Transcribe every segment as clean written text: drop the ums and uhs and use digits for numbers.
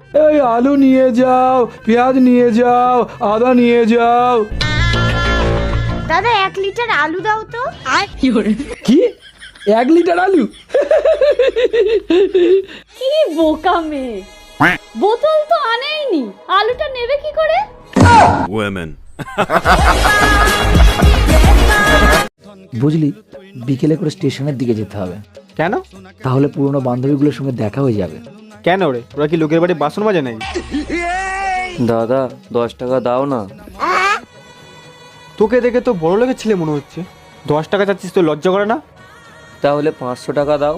এই আলু নিয়ে যাও, পেঁয়াজ নিয়ে যাও, আদা নিয়ে যাও। দাদা 1 লিটার আলু দাও তো। কি 1 লিটার আলু? কি বোকা মেয়ে, বোতল তো আনেইনি, আলুটা নেবে কি করে? Women. বুঝলি, বিকেলে করে স্টেশনের দিকে যেতে হবে। কেন? তাহলে পুরনো বান্ধবীগুলোর সঙ্গে দেখা হয়ে যাবে। কেন রে, ওরা কি লোকের বাড়ি বাসন মাজে নাই? দাদা 10 টাকা দাও না। তোকে দেখে তো বড় লোকের ছেলে মনে হচ্ছে। 10 টাকা চাচ্ছিস, তো লজ্জা করে না? তাহলে 500 টাকা দাও।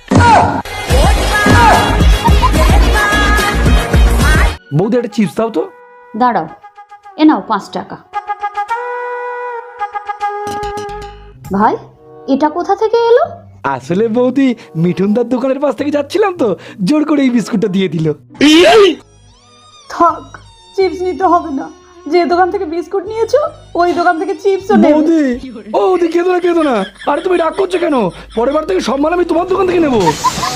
বৌদি একটা চিপস দাও তো। দাঁড়াও, এ নাও 5 টাকা। ভাই, এটা কোথা থেকে এলো? আসলে বৌদি মিঠুনদার দোকানের পাশ থেকে যাচ্ছিলাম তো, জোর করে এই বিস্কুটটা দিয়ে দিল। থাক, চিপস নিতে হবে না। যে দোকান থেকে বিস্কুট নিয়েছো ওই দোকান থেকে চিপসও নেবে। বৌদি, ও বৌদি কেঁদো না কেঁদো না। আরে তুমি রাগ করছো কেন? পরের বার থেকে সব মাল আমি তোমার দোকান থেকে নেবো।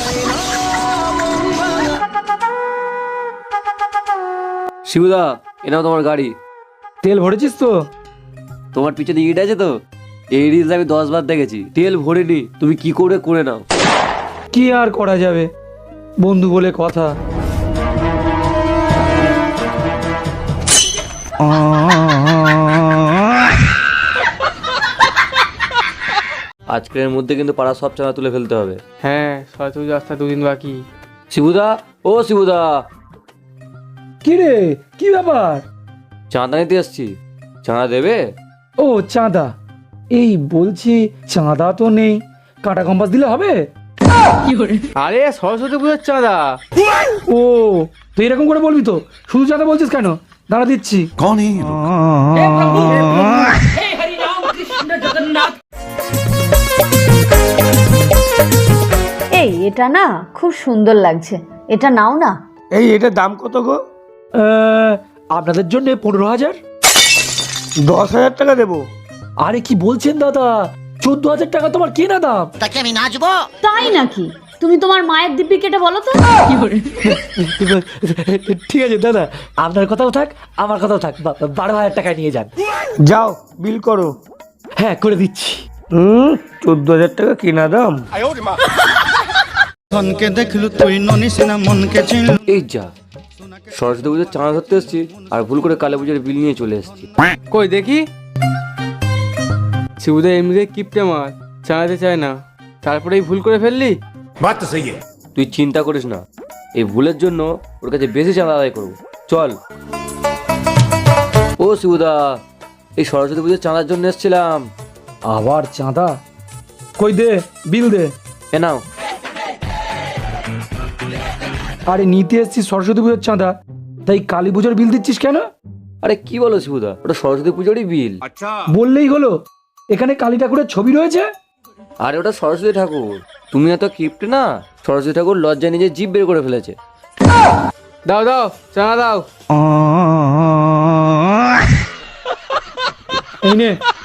শিবুদা, এ নাও তোমার গাড়ি। তেল ভরেছিস তো? তোমার পিছনে ইট আছে তো? এই রিলস আমি 10 বার দেখেছি। তেল ভরিনি, তুমি কি করে করে নাও। কি আর করা যাবে, বন্ধু বলে কথা। আজকের মধ্যে কিন্তু পাড়া সব চাঁদা তুলে ফেলতে হবে। হ্যাঁ, সরস্বতী রাস্তা 2 দিন বাকি। শিবুদা, ও শিবুদা, কি রে, কি ব্যাপার? চাঁদা নিতে আসছি, চাঁদা দেবে? ও চাঁদা, এই বলছি চাঁদা তো নেই, কাঁটা কম্পাস দিলে হবে? আরে সরস্বতী পুজোর চাঁদা। ও তুই এরকম করে বলবি তো, শুধু চাঁদা বলছিস কেন? দাঁড়া দিচ্ছি। कौन है ये लोग? এই এটা না খুব সুন্দর লাগছে, এটা নাও না। এই এটার দাম কত গো? আপনাদের জন্য 15,000। 10,000 টাকা দেবো? আরে কি বলছেন দাদা, 14,000 টাকা তোমার কেনা দাম। তাই নাকি? তুমি তোমার মায়ের দিব্যি কেটে বলো তো। ঠিক আছে দাদা, আপনার কথাও থাক আমার কথাও থাক, 12,000 টাকায় নিয়ে যান। যাও, বিল করো। হ্যাঁ করে দিচ্ছি। 14,000 টাকা কিনা দাম। এই যা, সরস্বতী পুজোর চাঁদা ধরতে এসছি আর ভুল করে কালী পুজোর বিল নিয়ে চলে এসছি। কই দেখি। শিবুদা এমনিতে কিপটে মাল, চালাতে চায় না, তারপরেই ভুল করে ফেললি। बात तो सही है। তুই চিন্তা করিস না, এই ভুলের জন্য ওর কাছে বেশি চাঁদা আদায় করবো। চল। ও শিবুদা, এই সরস্বতী পুজোর চাঁদার জন্য এসেছিলাম। আবার চাঁদা? কই দে, বিল দে। এ নাও। আরে নিতে এসছিস সরস্বতী পুজোর চাঁদা, তাই কালী পুজোর বিল দিচ্ছিস কেন? আরে কি বলো শিবুদা, ওটা সরস্বতী পুজোরই বিল। বললেই হলো, এখানে কালী ঠাকুরের ছবি রয়েছে। আরে ওটা সরস্বতী ঠাকুর, তুমি এত কিপ্টে না। সরস্বতী ঠাকুর লজ্জায় নিজে জিভ বের করে ফেলেছে। দাও দাও, চাঁদা দাও। এই নে